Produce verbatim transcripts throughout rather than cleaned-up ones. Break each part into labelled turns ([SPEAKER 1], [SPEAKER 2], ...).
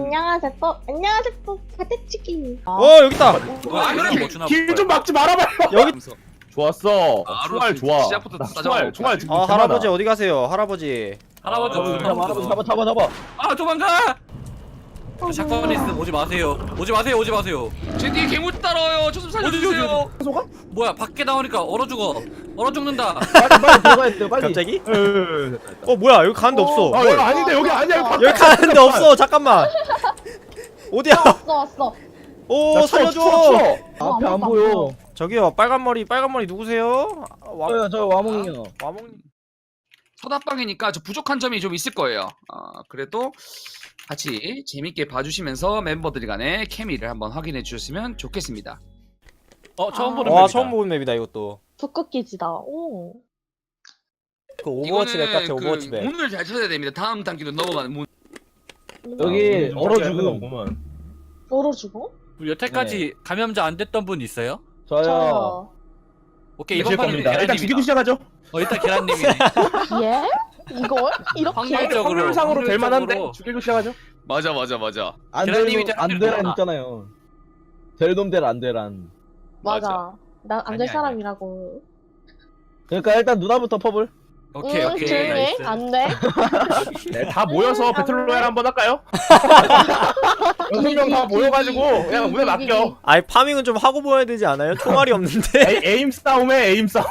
[SPEAKER 1] 안녕하세요 또 안녕하세요 또 파테치기.
[SPEAKER 2] 어 여기 있다.
[SPEAKER 3] 길 좀 막지 말아봐요.
[SPEAKER 2] 여기.
[SPEAKER 3] 좋았어.
[SPEAKER 4] 아,
[SPEAKER 3] 총알 좋아.
[SPEAKER 4] 시작부터
[SPEAKER 3] 나
[SPEAKER 4] 따져.
[SPEAKER 3] 총알 총알 지금
[SPEAKER 2] 아
[SPEAKER 3] 개
[SPEAKER 2] 할아버지
[SPEAKER 3] 많아.
[SPEAKER 2] 어디 가세요? 할아버지.
[SPEAKER 4] 할아버지
[SPEAKER 5] 어,
[SPEAKER 4] 없어.
[SPEAKER 5] 잡아, 잡아, 잡아, 잡아, 잡아.
[SPEAKER 4] 아 도망가! 샷건이 있으면 오지 마세요. 오지 마세요. 오지 마세요. 제 뒤에 괴물 따라와요. 저 좀 살려주세요.
[SPEAKER 3] 소가?
[SPEAKER 4] 뭐야 밖에 나오니까 얼어 죽어. 얼어 죽는다.
[SPEAKER 5] 빨리, 빨리 들어가야 돼요, 빨리.
[SPEAKER 2] 갑자기?
[SPEAKER 3] 에.
[SPEAKER 2] 어 뭐야 여기 가는데 없어.
[SPEAKER 3] 아
[SPEAKER 2] 뭘?
[SPEAKER 3] 여기 아닌데 여기 아니야. 여기
[SPEAKER 2] 여기 가는데 없어. 잠깐만. 어디야?
[SPEAKER 1] 왔어 왔어.
[SPEAKER 2] 오 살려줘.
[SPEAKER 5] 앞에 안 보여.
[SPEAKER 2] 저기요 빨간 머리 빨간 머리 누구세요? 아, 와
[SPEAKER 5] 저요, 저 와몽이요.
[SPEAKER 2] 와몽.
[SPEAKER 4] 서답방이니까 저 부족한 점이 좀 있을 거예요. 아 그래도 같이 재밌게 봐주시면서 멤버들 간의 케미를 한번 확인해 주셨으면 좋겠습니다. 어 처음
[SPEAKER 1] 아.
[SPEAKER 4] 보는
[SPEAKER 2] 와
[SPEAKER 4] 맵이다.
[SPEAKER 2] 처음 보는 맵이다 이것도.
[SPEAKER 1] 북극기지다. 오.
[SPEAKER 2] 그 오버워치 맵 같아.
[SPEAKER 4] 이거는
[SPEAKER 2] 오버워치
[SPEAKER 4] 그
[SPEAKER 2] 맵.
[SPEAKER 4] 문을 잘 찾아야 됩니다. 다음 단계로 넘어가는 문.
[SPEAKER 5] 여기 얼어 죽음.
[SPEAKER 3] 오구만.
[SPEAKER 1] 얼어 죽어?
[SPEAKER 6] 여태까지 감염자 안 됐던 분 있어요?
[SPEAKER 5] 저요.
[SPEAKER 1] 저요.
[SPEAKER 6] 오케이
[SPEAKER 3] 제
[SPEAKER 6] 이번 판은
[SPEAKER 3] 겁니다. 일단
[SPEAKER 6] 계란님이다.
[SPEAKER 3] 죽이고 시작하죠.
[SPEAKER 6] 어 일단 계란님이네.
[SPEAKER 1] 예? 이걸? 이렇게?
[SPEAKER 6] 확률적으로
[SPEAKER 3] 확률상으로 될 만한데
[SPEAKER 6] 확률적으로.
[SPEAKER 3] 죽이고 시작하죠.
[SPEAKER 4] 맞아 맞아 맞아.
[SPEAKER 5] 안
[SPEAKER 6] 계란님이
[SPEAKER 5] 되란, 안
[SPEAKER 6] 때문에
[SPEAKER 5] 되란
[SPEAKER 6] 그러나.
[SPEAKER 5] 있잖아요. 델돔델 안 되란.
[SPEAKER 1] 맞아. 난 안
[SPEAKER 6] 아니야,
[SPEAKER 1] 될
[SPEAKER 6] 아니야.
[SPEAKER 1] 사람이라고.
[SPEAKER 5] 그러니까 일단 누나부터 퍼블.
[SPEAKER 6] 오케이
[SPEAKER 1] 응,
[SPEAKER 6] 오케이
[SPEAKER 1] 조용히 해.
[SPEAKER 6] 나이스.
[SPEAKER 1] 안 돼.
[SPEAKER 3] 네, 다 모여서 배틀로얄 한번 할까요? 여섯 명 다 모여가지고 그냥 문에 맡겨.
[SPEAKER 2] 아니 파밍은 좀 하고 보여야 되지 않아요? 총알이 없는데.
[SPEAKER 3] 에이, 에임 싸움에 에임 싸움.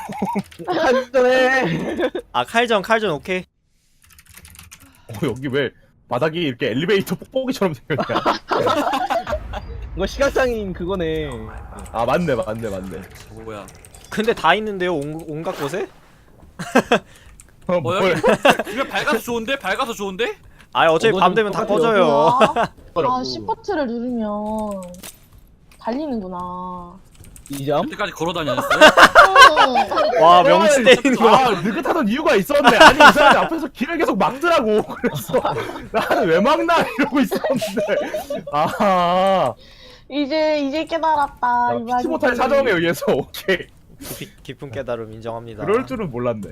[SPEAKER 5] 한전에.
[SPEAKER 2] 아 칼전 칼전 오케이.
[SPEAKER 3] 어, 여기 왜 바닥이 이렇게 엘리베이터 뽁뽁이처럼 생겼냐?
[SPEAKER 5] 이거 시각장인 그거네.
[SPEAKER 3] 아 맞네 맞네 맞네.
[SPEAKER 6] 뭐야?
[SPEAKER 2] 근데 다 있는데요 온, 온갖 곳에?
[SPEAKER 3] 어,
[SPEAKER 6] 어
[SPEAKER 3] 뭘?
[SPEAKER 6] 여기 그냥 밝아서 좋은데? 밝아서 좋은데?
[SPEAKER 2] 아 어차피
[SPEAKER 5] 어,
[SPEAKER 2] 밤 되면 다
[SPEAKER 5] 똑같아요.
[SPEAKER 2] 꺼져요.
[SPEAKER 1] 아, 시프트를 누르면 달리는구나.
[SPEAKER 5] 이점.
[SPEAKER 6] 여태까지 걸어다녔어요?
[SPEAKER 1] 응.
[SPEAKER 2] 와 명치 때리는 거.
[SPEAKER 3] 아 느긋하던 이유가 있었네. 아니 이 사람이 앞에서 길을 계속 막더라고. 그래서 나는 왜 막나 이러고 있었는데. 아,
[SPEAKER 1] 이제 이제 깨달았다. 이
[SPEAKER 3] 피치 못할 사정에 의해서 오케이.
[SPEAKER 2] 깊이, 깊은 깨달음 인정합니다.
[SPEAKER 3] 그럴 줄은 몰랐네.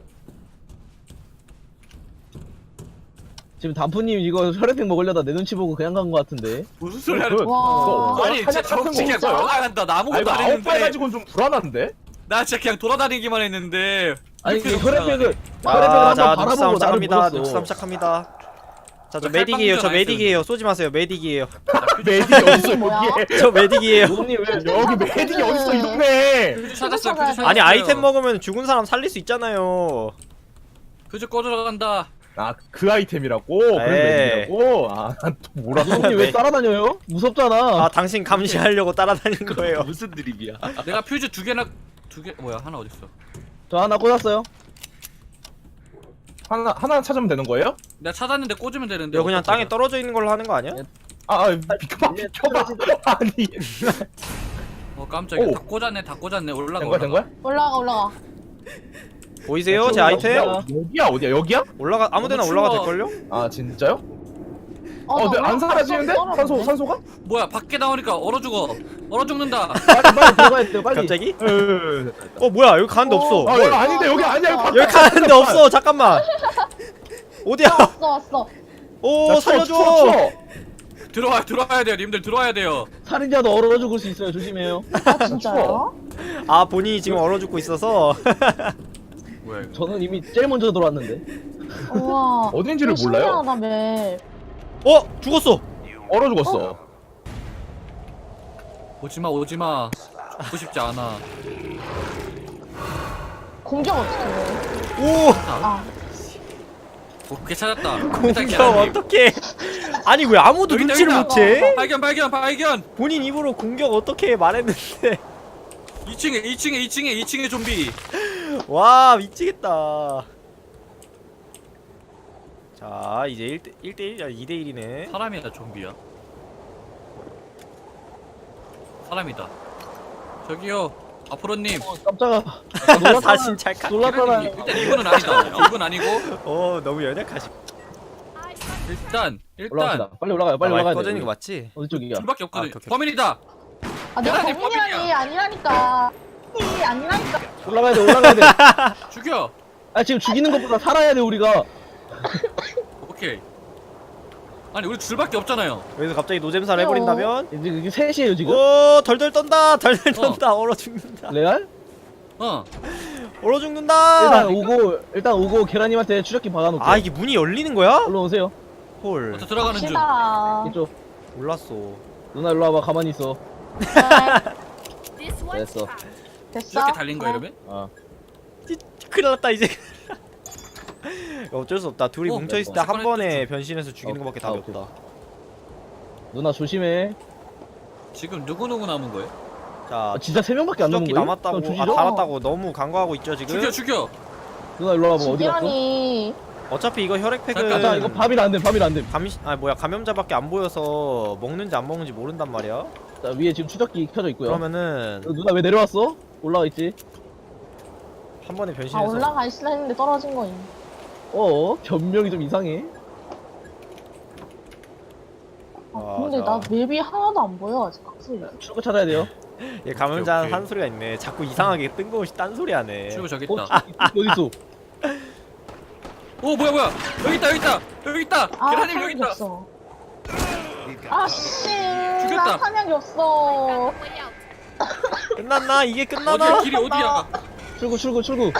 [SPEAKER 5] 지금 단푸님 이거 혈액팩 먹으려다 내 눈치 보고 그냥 간 거 같은데.
[SPEAKER 6] 무슨 소리 하는
[SPEAKER 3] 그,
[SPEAKER 1] 와.
[SPEAKER 3] 그거
[SPEAKER 6] 아니 진짜
[SPEAKER 3] 한약 같은 거
[SPEAKER 6] 정치 그냥
[SPEAKER 3] 없어요?
[SPEAKER 6] 돌아간다. 나
[SPEAKER 3] 아
[SPEAKER 6] 아무것도
[SPEAKER 3] 이거
[SPEAKER 6] 안
[SPEAKER 3] 아홉 발
[SPEAKER 6] 했는데.
[SPEAKER 3] 가지고는 좀 불안한데?
[SPEAKER 6] 나 진짜 그냥 돌아다니기만 했는데.
[SPEAKER 5] 아니
[SPEAKER 6] 이렇게
[SPEAKER 5] 그 혈액팩을 혈액팩을
[SPEAKER 2] 아,
[SPEAKER 5] 한번
[SPEAKER 2] 자
[SPEAKER 5] 바라보고
[SPEAKER 2] 눈싸움
[SPEAKER 5] 나를
[SPEAKER 2] 시작합니다.
[SPEAKER 5] 물었어.
[SPEAKER 2] 눈싸움 시작합니다. 자 저
[SPEAKER 6] 왜
[SPEAKER 2] 메딕이에요. 저
[SPEAKER 6] 칼빵전 안
[SPEAKER 2] 메딕이에요. 쏘지 마세요. 메딕이에요.
[SPEAKER 3] 메딕이 어딨어
[SPEAKER 1] 뭐야?
[SPEAKER 3] 여기에.
[SPEAKER 2] 저 메딕이에요.
[SPEAKER 5] 누님 왜
[SPEAKER 3] 여기 메딕이 어딨어 이 동네.
[SPEAKER 6] 퓨즈 찾았어요.
[SPEAKER 1] 찾아야
[SPEAKER 6] 퓨즈 찾았어요.
[SPEAKER 2] 아니 아이템 먹으면 죽은 사람 살릴 수 있잖아요.
[SPEAKER 6] 퓨즈 꺼들어 간다.
[SPEAKER 3] 아 그 아이템이라고? 그래서
[SPEAKER 2] 에이.
[SPEAKER 3] 메딕이라고? 아난 또 뭐라고?
[SPEAKER 5] 누님 왜 따라다녀요? 무섭잖아.
[SPEAKER 2] 아 당신 감시하려고 따라다닌 거예요.
[SPEAKER 4] 무슨 드립이야?
[SPEAKER 6] 내가 퓨즈 두 개나 두 개 뭐야 하나 어딨어?
[SPEAKER 5] 저 하나 꽂았어요.
[SPEAKER 3] 하나 하나 찾으면 되는 거예요?
[SPEAKER 6] 내가 찾았는데 꽂으면 되는데.
[SPEAKER 2] 이거 그냥
[SPEAKER 6] 어떡하죠?
[SPEAKER 2] 땅에 떨어져 있는 걸로 하는 거 아니야?
[SPEAKER 3] 아, 아 비켜봐 비켜봐. 아니
[SPEAKER 6] 어 깜짝이야.
[SPEAKER 3] 오.
[SPEAKER 6] 다 꽂았네. 다 꽂았네. 올라가.
[SPEAKER 3] 된 거야 된 거야?
[SPEAKER 1] 올라가 올라가.
[SPEAKER 2] 보이세요? 제 아이템?
[SPEAKER 3] 여기야 어디야 여기야?
[SPEAKER 2] 올라가 아무데나
[SPEAKER 6] 너무
[SPEAKER 2] 올라가
[SPEAKER 6] 추워.
[SPEAKER 2] 될걸요?
[SPEAKER 3] 아 진짜요?
[SPEAKER 1] 어,
[SPEAKER 3] 어,
[SPEAKER 1] 나
[SPEAKER 3] 근데 안
[SPEAKER 1] 올라갔어.
[SPEAKER 3] 사라지는데?
[SPEAKER 1] 떨어졌네.
[SPEAKER 3] 산소 산소가?
[SPEAKER 6] 뭐야 밖에 나오니까 얼어 죽어. 얼어 죽는다.
[SPEAKER 5] 빨리 빨리 들어가야 돼요. 빨리.
[SPEAKER 2] 갑자기?
[SPEAKER 3] 에.
[SPEAKER 2] 어 뭐야 여기 가는데
[SPEAKER 1] 어.
[SPEAKER 2] 없어.
[SPEAKER 3] 아
[SPEAKER 2] 뭘?
[SPEAKER 3] 여기 아닌데 여기 아니야 여기
[SPEAKER 2] 여기 가는데 없어. 잠깐만. 어디야?
[SPEAKER 1] 왔어 왔어.
[SPEAKER 2] 오 살려줘.
[SPEAKER 6] 들어와 들어와야 돼요. 님들 들어와야 돼요.
[SPEAKER 5] 살인자도 얼어 죽을 수 있어요. 조심해요.
[SPEAKER 1] 아 진짜요?
[SPEAKER 2] 아 본인이 지금 얼어 죽고 있어서.
[SPEAKER 6] 뭐야 이거?
[SPEAKER 5] 저는 이미 제일 먼저 들어왔는데.
[SPEAKER 1] 우와.
[SPEAKER 3] 어딘지를
[SPEAKER 1] 이거
[SPEAKER 3] 몰라요?
[SPEAKER 1] 신기하다 맵.
[SPEAKER 2] 어 죽었어.
[SPEAKER 3] 얼어 죽었어.
[SPEAKER 6] 오지마 오지마. 죽고 싶지 않아.
[SPEAKER 1] 공격 어떻게 해?
[SPEAKER 2] 오
[SPEAKER 1] 아.
[SPEAKER 6] 오케이 찾았다. 일단
[SPEAKER 2] 공격
[SPEAKER 6] 계란님.
[SPEAKER 2] 어떻게? 아니 왜 아무도
[SPEAKER 6] 여기 있다,
[SPEAKER 2] 눈치를
[SPEAKER 6] 여기
[SPEAKER 2] 못 채?
[SPEAKER 6] 발견 발견 발견.
[SPEAKER 2] 본인 입으로 공격 어떻게 말했는데.
[SPEAKER 6] 이 층에 이 층에 이 층에 이 층에 좀비.
[SPEAKER 2] 와 미치겠다. 자 이제 일 대 일 대 일, 이 대 일이네.
[SPEAKER 6] 사람이다 좀비야. 사람이다. 저기요 아프로님.
[SPEAKER 5] 어, 깜짝아.
[SPEAKER 2] 사신 찰칵.
[SPEAKER 5] 놀랐잖아.
[SPEAKER 6] 일단 이분은 아니다. 이분 아니고
[SPEAKER 2] 어 너무 연약하시.
[SPEAKER 6] 일단
[SPEAKER 5] 올라갑시다.
[SPEAKER 6] 일단
[SPEAKER 5] 빨리 올라가요. 빨리
[SPEAKER 2] 아,
[SPEAKER 5] 올라가야
[SPEAKER 2] 꺼지는
[SPEAKER 5] 돼.
[SPEAKER 2] 거 맞지?
[SPEAKER 5] 어디 쪽이야?
[SPEAKER 6] 둘밖에 없거든.
[SPEAKER 2] 아, 오케이, 오케이.
[SPEAKER 6] 범인이다.
[SPEAKER 1] 아 내가
[SPEAKER 6] 계란이
[SPEAKER 1] 범인이라니 아니라니까. 이 아니라니까.
[SPEAKER 5] 올라가야 돼. 올라가야 돼.
[SPEAKER 6] 죽여.
[SPEAKER 5] 아 지금 죽이는 것보다 살아야 돼 우리가.
[SPEAKER 6] 오케이. 아니 우리 둘밖에 없잖아요.
[SPEAKER 2] 여기서 갑자기 노잼사를 해버린다면
[SPEAKER 5] 이제 이게 셋이에요 지금?
[SPEAKER 2] 오 덜덜 떤다 덜덜
[SPEAKER 6] 어.
[SPEAKER 2] 떤다 얼어 죽는다
[SPEAKER 5] 레알?
[SPEAKER 6] 어.
[SPEAKER 2] 얼어 죽는다
[SPEAKER 5] 일단 오고 일단 오고 계란님한테 추적기 박아놓을게요.
[SPEAKER 2] 아 이게 문이 열리는 거야?
[SPEAKER 5] 일로 오세요.
[SPEAKER 2] 헐
[SPEAKER 6] 저 들어가는 중.
[SPEAKER 1] 갑시다.
[SPEAKER 5] 이쪽.
[SPEAKER 2] 몰랐어
[SPEAKER 5] 누나 일로 와봐. 가만히 있어.
[SPEAKER 1] 네,
[SPEAKER 5] 됐어.
[SPEAKER 1] 됐어.
[SPEAKER 6] 이렇게 달린 거야 이러면?
[SPEAKER 5] 어.
[SPEAKER 2] 큰일 났다 이제 어쩔 수 없다 둘이
[SPEAKER 6] 어,
[SPEAKER 2] 뭉쳐있을 때
[SPEAKER 6] 어,
[SPEAKER 2] 한 번에 변신해서 죽이는
[SPEAKER 5] 어,
[SPEAKER 2] 것밖에
[SPEAKER 5] 아,
[SPEAKER 2] 답이
[SPEAKER 5] 오케이.
[SPEAKER 2] 없다
[SPEAKER 5] 누나 조심해.
[SPEAKER 6] 지금 누구 누구 남은 거예요?
[SPEAKER 2] 자
[SPEAKER 5] 아, 진짜 세 명밖에 안 남은
[SPEAKER 2] 추적기
[SPEAKER 5] 거예요?
[SPEAKER 2] 남았다고
[SPEAKER 5] 그럼
[SPEAKER 2] 아
[SPEAKER 5] 주시죠?
[SPEAKER 2] 달았다고 너무 간과하고 있죠 지금
[SPEAKER 6] 죽여 죽여.
[SPEAKER 5] 누나 일로 와봐. 어디 갔어?
[SPEAKER 1] 지기란이
[SPEAKER 2] 어차피 이거 혈액팩은
[SPEAKER 6] 잠깐,
[SPEAKER 5] 자 이거 밥이라 안 돼. 밥이라 안 돼.
[SPEAKER 2] 감, 아 뭐야 감염자밖에 안 보여서 먹는지 안 먹는지 모른단 말이야
[SPEAKER 5] 자 위에 지금 추적기 켜져 있고요.
[SPEAKER 2] 그러면은
[SPEAKER 5] 어, 누나 왜 내려왔어? 올라가 있지.
[SPEAKER 2] 한 번에
[SPEAKER 1] 아
[SPEAKER 2] 변신해서
[SPEAKER 1] 올라가 있으려 했는데 떨어진 거임.
[SPEAKER 5] 어 변명이 좀 이상해.
[SPEAKER 1] 아,
[SPEAKER 2] 아,
[SPEAKER 1] 근데
[SPEAKER 2] 자.
[SPEAKER 1] 나 맵이 하나도 안 보여 아직 각소리.
[SPEAKER 5] 출구 찾아야 돼요.
[SPEAKER 2] 얘 감염자
[SPEAKER 6] 오케이, 오케이.
[SPEAKER 2] 한 소리가 있네 자꾸 이상하게 뜬금없이 딴소리 하네
[SPEAKER 6] 출구 저기
[SPEAKER 5] 어
[SPEAKER 6] 있다.
[SPEAKER 5] 추적기 어디 있어?
[SPEAKER 6] 오 뭐야 뭐야 여기 있다 여기 있다 여기 있다.
[SPEAKER 1] 아
[SPEAKER 6] 계란님 여기
[SPEAKER 1] 사냥이
[SPEAKER 6] 있다.
[SPEAKER 1] 없어. 아씨.
[SPEAKER 6] 죽였다.
[SPEAKER 1] 나 사냥이 없어.
[SPEAKER 2] 끝났나? 이게 끝나나?
[SPEAKER 6] 어디야 길이 어디야?
[SPEAKER 5] 출구 출구 출구.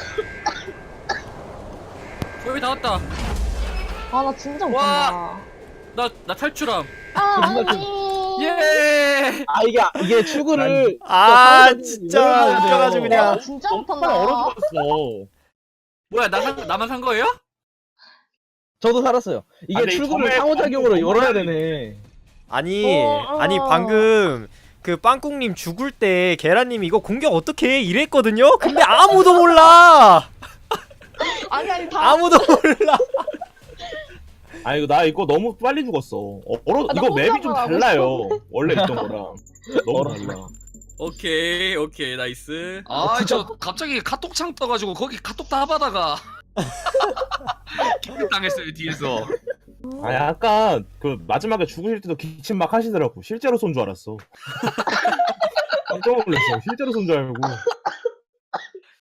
[SPEAKER 6] 여기 다 왔다.
[SPEAKER 1] 아 나 진짜
[SPEAKER 6] 와.
[SPEAKER 1] 못한다.
[SPEAKER 6] 나 나 탈출함.
[SPEAKER 1] 아
[SPEAKER 5] 정말 좀-
[SPEAKER 1] 아니.
[SPEAKER 6] 예.
[SPEAKER 5] 아 이게 이게 출구를
[SPEAKER 2] 아
[SPEAKER 5] 상호작용을
[SPEAKER 2] 진짜
[SPEAKER 5] 열어야 돼요.
[SPEAKER 2] 웃겨가지고
[SPEAKER 1] 아,
[SPEAKER 2] 그냥
[SPEAKER 1] 진짜
[SPEAKER 3] 얼어
[SPEAKER 1] 못한다.
[SPEAKER 3] 죽었어.
[SPEAKER 6] 뭐야 나 산, 나만 산 거예요?
[SPEAKER 5] 저도 살았어요. 이게
[SPEAKER 3] 아, 근데 이
[SPEAKER 5] 출구를
[SPEAKER 3] 점에
[SPEAKER 5] 상호작용으로
[SPEAKER 3] 방금
[SPEAKER 5] 열어야
[SPEAKER 3] 너무
[SPEAKER 5] 되네.
[SPEAKER 2] 아니
[SPEAKER 1] 어,
[SPEAKER 2] 아니
[SPEAKER 1] 어.
[SPEAKER 2] 방금 그 빵국님 죽을 때 계란님이 이거 공격 어떻게 해 이랬거든요? 근데 아무도 몰라
[SPEAKER 1] 아니 아니 다.
[SPEAKER 2] 아무도 몰라
[SPEAKER 3] 아 이거 나 이거 너무 빨리 죽었어. 어, 얼어
[SPEAKER 1] 아, 나
[SPEAKER 3] 이거 맵이 좀
[SPEAKER 1] 혼자만 하고
[SPEAKER 3] 달라요. 원래 있던 거랑 너무
[SPEAKER 5] 얼어.
[SPEAKER 3] 달라.
[SPEAKER 6] 오케이 오케이 나이스.
[SPEAKER 4] 아
[SPEAKER 5] 진짜-
[SPEAKER 4] 저 갑자기 카톡창 떠가지고 거기 카톡 다 받아가 기분 당했어요 뒤에서.
[SPEAKER 3] 아 약간 그 마지막에 죽으실 때도 기침 막 하시더라고. 실제로 쏜 줄 알았어. 깜짝 놀랐어. 실제로 쏜 줄 알고.